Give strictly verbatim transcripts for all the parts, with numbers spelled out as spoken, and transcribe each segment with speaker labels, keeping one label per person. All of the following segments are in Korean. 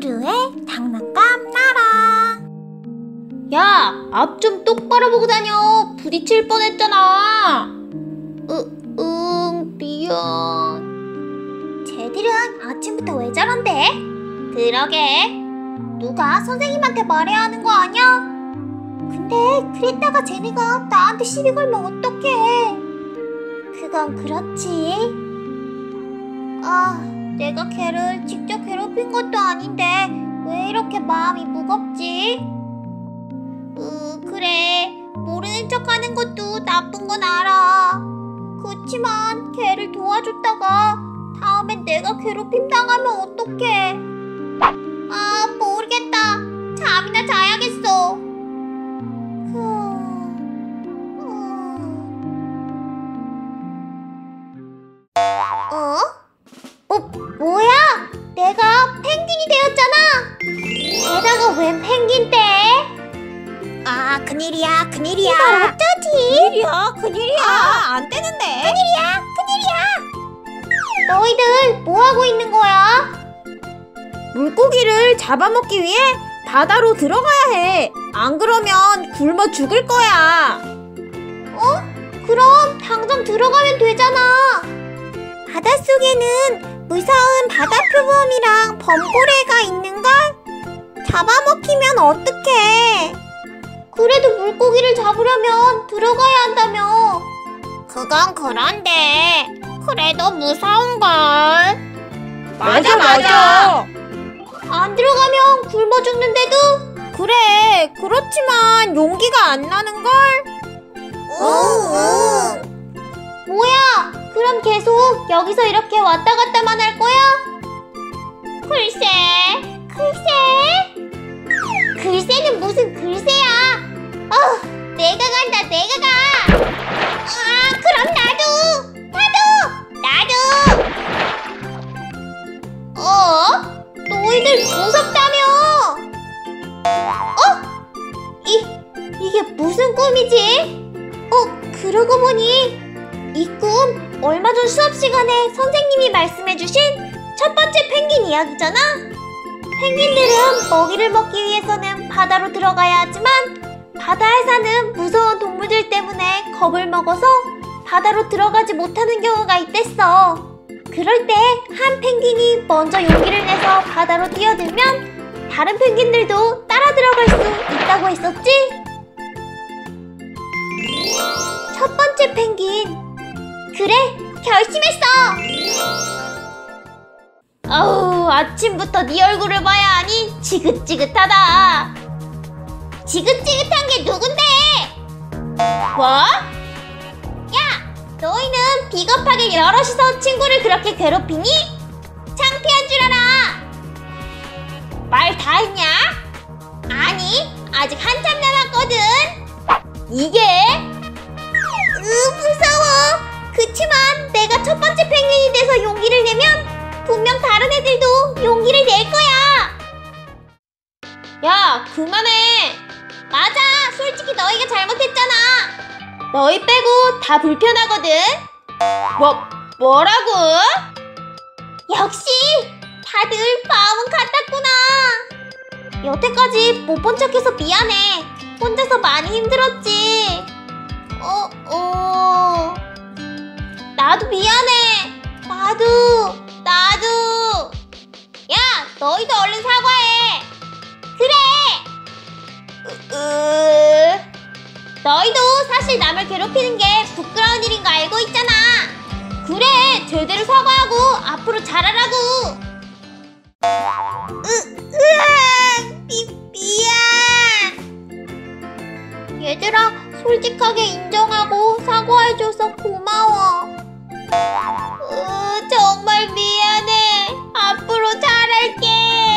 Speaker 1: 크루의 장난감 나라.
Speaker 2: 야, 앞 좀 똑바로 보고 다녀. 부딪힐 뻔했잖아. 으, 응, 미안.
Speaker 1: 쟤들은 아침부터 왜 저런데?
Speaker 2: 그러게.
Speaker 1: 누가 선생님한테 말해야 하는 거 아니야? 근데 그랬다가 쟤네가 나한테 시비 걸면 어떡해? 그건 그렇지. 아, 내가 걔를 직접 괴롭힌 것도 아닌데 왜 이렇게 마음이 무겁지? 으, 그래. 모르는 척 하는 것도 나쁜 건 알아. 그치만 걔를 도와줬다가 다음엔 내가 괴롭힘 당하면 어떡해? 아, 모르겠다. 잠이나 자야겠어. 어? 어? 뭐야? 내가 펭귄이 되었잖아. 게다가 웬 펭귄 때? 아, 큰일이야, 큰일이야. 이걸 어쩌지?
Speaker 2: 큰일이야, 큰일이야.
Speaker 1: 아,
Speaker 2: 안 되는데.
Speaker 1: 큰일이야, 큰일이야. 너희들 뭐하고 있는 거야?
Speaker 2: 물고기를 잡아먹기 위해 바다로 들어가야 해. 안 그러면 굶어 죽을 거야.
Speaker 1: 어? 그럼 당장 들어가면 되잖아. 바닷속에는 무서운 바다표범이랑 범고래가 있는걸? 잡아먹히면 어떡해? 그래도 물고기를 잡으려면 들어가야 한다며. 그건 그런데 그래도 무서운걸.
Speaker 2: 맞아, 맞아.
Speaker 1: 안 들어가면 굶어 죽는데도?
Speaker 2: 그래, 그렇지만 용기가 안 나는걸?
Speaker 1: 응. 뭐야? 그럼 계속 여기서 이렇게 왔다 갔다만 할 거야? 글쎄, 글쎄? 글쎄는 무슨 글쎄야? 어, 내가 간다, 내가 가. 아, 그럼 나도, 나도, 나도. 어? 너희들 무섭다며? 어? 이, 이게 무슨 꿈이지? 어, 그러고 보니 이 꿈 얼마 전 수업 시간에 선생님이 말씀해주신 첫 번째 펭귄 이야기잖아? 펭귄들은 먹이를 먹기 위해서는 바다로 들어가야 하지만 바다에 사는 무서운 동물들 때문에 겁을 먹어서 바다로 들어가지 못하는 경우가 있댔어. 그럴 때 한 펭귄이 먼저 용기를 내서 바다로 뛰어들면 다른 펭귄들도 따라 들어갈 수 있다고 했었지? 첫 번째 펭귄. 그래, 결심했어.
Speaker 2: 아우, 아침부터 네 얼굴을 봐야 하니 지긋지긋하다.
Speaker 1: 지긋지긋한 게 누군데?
Speaker 2: 뭐?
Speaker 1: 야, 너희는 비겁하게 여럿이서 친구를 그렇게 괴롭히니? 창피한 줄 알아.
Speaker 2: 말 다 했냐?
Speaker 1: 아니, 아직 한참 남았거든.
Speaker 2: 이게?
Speaker 1: 으, 무서워. 그치만 내가 첫 번째 펭귄이 돼서 용기를 내면 분명 다른 애들도 용기를 낼 거야.
Speaker 2: 야, 그만해.
Speaker 1: 맞아, 솔직히 너희가 잘못했잖아.
Speaker 2: 너희 빼고 다 불편하거든. 뭐, 뭐라고?
Speaker 1: 역시 다들 마음은 같았구나. 여태까지 못 본 척해서 미안해. 혼자서 많이 힘들었지. 어, 어. 나도 미안해. 나도, 나도. 야, 너희도 얼른 사과해. 그래. 으, 으. 너희도 사실 남을 괴롭히는 게 부끄러운 일인 거 알고 있잖아. 그래, 제대로 사과하고 앞으로 잘하라고. 으, 으아, 미, 미안. 얘들아, 솔직하게 인정하고 사과해줘서 고마워. 으, 정말 미안해. 앞으로 잘할게.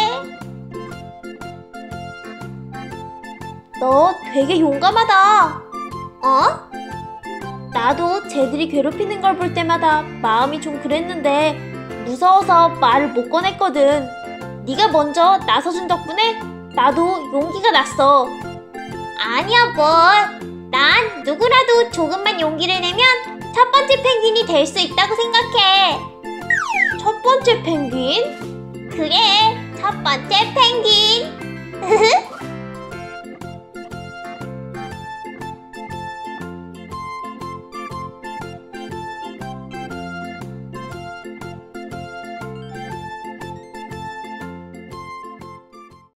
Speaker 2: 너 되게 용감하다.
Speaker 1: 어?
Speaker 2: 나도 쟤들이 괴롭히는 걸 볼 때마다 마음이 좀 그랬는데 무서워서 말을 못 꺼냈거든. 네가 먼저 나서준 덕분에 나도 용기가 났어.
Speaker 1: 아니야, 뭘. 난 누구라도 조금만 용기를 내면 첫 번째 펭귄이 될 수 있다고 생각해.
Speaker 2: 첫 번째 펭귄?
Speaker 1: 그래, 첫 첫 번째 펭귄.